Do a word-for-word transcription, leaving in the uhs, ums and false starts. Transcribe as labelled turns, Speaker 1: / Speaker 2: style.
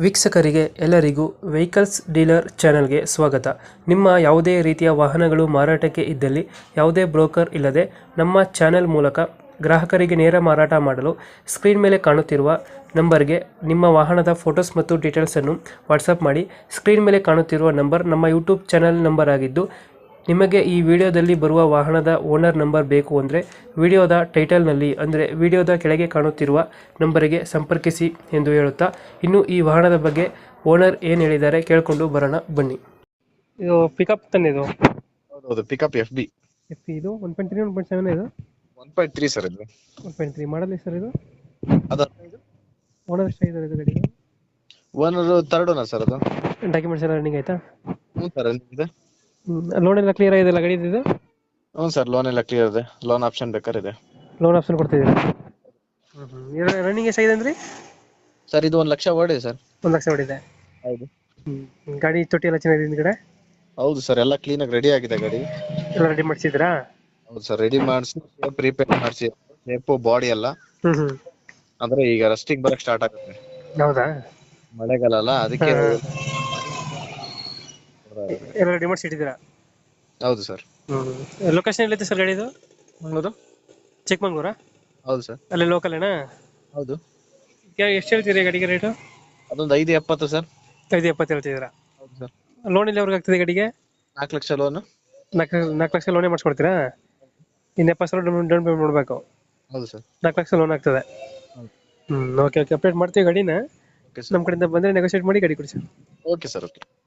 Speaker 1: ವೀಕ್ಷಕರಿಗೆ ಎಲ್ಲರಿಗೂ vehicles dealer ಚಾನೆಲ್ಗೆ ಸ್ವಾಗತ. ನಿಮ್ಮ ಯಾವುದೇ ರೀತಿಯ ವಾಹನಗಳು ಮಾರಾಟಕ್ಕೆ ಇದ್ದಲ್ಲಿ ಯಾವುದೇ ಬ್ರೋಕರ್ ಇಲ್ಲದೆ ನಮ್ಮ ಚಾನೆಲ್ ಮೂಲಕ ಗ್ರಾಹಕರಿಗೆ ನೇರ ಮಾರಾಟ ಮಾಡಲು ಸ್ಕ್ರೀನ್ ಮೇಲೆ ಕಾಣುತ್ತಿರುವ ನಂಬರ್ಗೆ ನಿಮ್ಮ ವಾಹನದ ಫೋಟೋಸ್ ಮತ್ತು ಡೀಟೇಲ್ಸನ್ನು ವಾಟ್ಸಪ್ ಮಾಡಿ. ಸ್ಕ್ರೀನ್ ಮೇಲೆ ಕಾಣುತ್ತಿರುವ ನಂಬರ್ ನಮ್ಮ ಯೂಟ್ಯೂಬ್ ಚಾನೆಲ್ ನಂಬರ್ ಆಗಿದ್ದು, ನಿಮಗೆ ಈ ವಿಡಿಯೋದಲ್ಲಿ ಬರುವ ವಾಹನದ ಓನರ್ ನಂಬರ್ ಬೇಕು ಅಂದರೆ ವಿಡಿಯೋದ ಟೈಟಲ್ನಲ್ಲಿ ಅಂದರೆ ವಿಡಿಯೋದ ಕೆಳಗೆ ಕಾಣುತ್ತಿರುವ ನಂಬರಿಗೆ ಸಂಪರ್ಕಿಸಿ ಎಂದು ಹೇಳುತ್ತಾ, ಇನ್ನು ಈ ವಾಹನದ ಬಗ್ಗೆ ಓನರ್ ಏನು ಹೇಳಿದ್ದಾರೆ ಕೇಳಿಕೊಂಡು ಬರೋಣ ಬನ್ನಿ. ಇದು ಪಿಕಪ್ ತಾನೆ? ಇದು
Speaker 2: ಹೌದು, ಪಿಕಪ್ ಎಫ್ ಬಿ
Speaker 1: ಎಫ್ ಇದು one point three one point seven ಇದು
Speaker 2: ಒನ್ ಪಾಯಿಂಟ್ ತ್ರೀ ಸರ್. ಇದು
Speaker 1: one point three model sir. ಇದು
Speaker 2: ಅದು
Speaker 1: ಓನರ್ ಎಷ್ಟಾಗಿದ್ದಾರೆ ಇದು ಗಾಡಿಗೆ?
Speaker 2: Owner third owner sir. ಅದು
Speaker 1: ಡಾಕ್ಯುಮೆಂಟ್ಸ್ ಎಲ್ಲ ರನ್ನಿಂಗ್ ಆಯ್ತಾ?
Speaker 2: ಹ್ಞೂ ಸರ್, ಇದೆ.
Speaker 1: ಲೋನ್ ಎಲ್ಲ ಕ್ಲಿಯರ್ ಆಗಿದೆ ಗಾಡಿ? ಇದು
Speaker 2: ಹ್ಞೂ ಸರ್, ಲೋನ್ ಎಲ್ಲ ಕ್ಲಿಯರ್ ಇದೆ. ಲೋನ್ ಆಪ್ಷನ್ ಬೇಕಾದ್ರೆ ಇದೆ.
Speaker 1: Loan option ಕೊಡ್ತಿದ್ದೀರಾ? ರನ್ನಿಂಗ್ ಎಷ್ಟಾಗಿದೆ ಅಂದ್ರೆ
Speaker 2: ಸರ್ ಇದು ಒಂದು ಲಕ್ಷ ಓಡಿದೆ ಸರ್.
Speaker 1: ಒಂದು ಲಕ್ಷ ಹೊಡಿದೆ.
Speaker 2: ಹೌದು.
Speaker 1: ಹ್ಮ್ ಗಾಡಿ ತೊಟ್ಟಿ ಎಲ್ಲ ಚೆನ್ನಾಗಿದೆ ಹಿಂದ್ಗಡೆ?
Speaker 2: ಹೌದು ಸರ್, ಎಲ್ಲ ಕ್ಲೀನಾಗಿ ರೆಡಿ ಆಗಿದೆ ಗಾಡಿ.
Speaker 1: ಎಲ್ಲ ರೆಡಿ ಮಾಡಿಸಿದ್ರಾ?
Speaker 2: ಹೌದು ಸರ್, ರೆಡಿ ಮಾಡಿಸಿ ಪ್ರಿಪೇರ್ ಮಾಡಿಸಿ ಶೇಪು ಬಾಡಿ ಎಲ್ಲ.
Speaker 1: ಹ್ಮ್ ಹ್ಮ್
Speaker 2: ಅಂದ್ರೆ ಈಗ ರಸ್ಟಿಗೆ ಬರಕ್ ಸ್ಟಾರ್ಟ್ ಆಗುತ್ತೆ.
Speaker 1: ಹೌದಾ?
Speaker 2: ಮಳೆಗಾಲ ಅಲ್ಲ, ಅದಕ್ಕೆ
Speaker 1: ಎಲ್ಲ ರೆಡಿ ಮಾಡಿಸಿ ಇಟ್ಟಿದ್ದೀರಾ?
Speaker 2: ಹೌದು ಸರ್.
Speaker 1: ಹ್ಮ್ ಲೊಕೇಶನ್ ಎಲ್ಲಿದೆ ಸರ್ ಗಾಡಿದು?
Speaker 2: ಮಂಗಳೂರು.
Speaker 1: ಚಿಕ್ಕಮಂಗ್ಳೂರಾ?
Speaker 2: ಹೌದು ಸರ್.
Speaker 1: ಅಲ್ಲಿ ಲೋಕಲ್ ಏನಾ?
Speaker 2: ಹೌದು.
Speaker 1: ಎಷ್ಟು ಹೇಳ್ತೀರಿ ಗಾಡಿಗೆ ರೇಟು?
Speaker 2: ಅದೊಂದು ಐದು ಎಪ್ಪತ್ತು ಸರ್.
Speaker 1: ಐದು ಎಪ್ಪತ್ತು ಹೇಳ್ತಿದ್ದೀರಾ?
Speaker 2: ಹೌದು ಸರ್.
Speaker 1: ಲೋನ್ ಇಲ್ಲಿ ಅವ್ರಿಗೆ ಆಗ್ತದೆ ಗಾಡಿಗೆ?
Speaker 2: ನಾಲ್ಕು ಲಕ್ಷ ಲೋನ್.
Speaker 1: ನಾಲ್ಕು ನಾಲ್ಕು ಲಕ್ಷ ಲೋನೇ ಮಾಡಿಸ್ಕೊಡ್ತೀರಾ? ಇನ್ನು ಎಪ್ಪತ್ತು ಸಾವಿರ ಡೌನ್ ಪೇಮೆಂಟ್ ಮಾಡಬೇಕು?
Speaker 2: ಹೌದು ಸರ್.
Speaker 1: ನಾಲ್ಕು ಲಕ್ಷ ಲೋನ್ ಆಗ್ತದೆ. ಹ್ಮ್ ಓಕೆ ಓಕೆ ಅಪ್ಡೇಟ್ ಮಾಡ್ತೀವಿ ಗಾಡಿನ.
Speaker 2: Okay sir.
Speaker 1: ನಮ್ಮ ಕಡೆಯಿಂದ ಬಂದರೆ ನೆಗೋಷಿಯೇಟ್ ಮಾಡಿ ಗಾಡಿ ಕೊಡಿ ಸರ್.
Speaker 2: Okay sir. ಓಕೆ.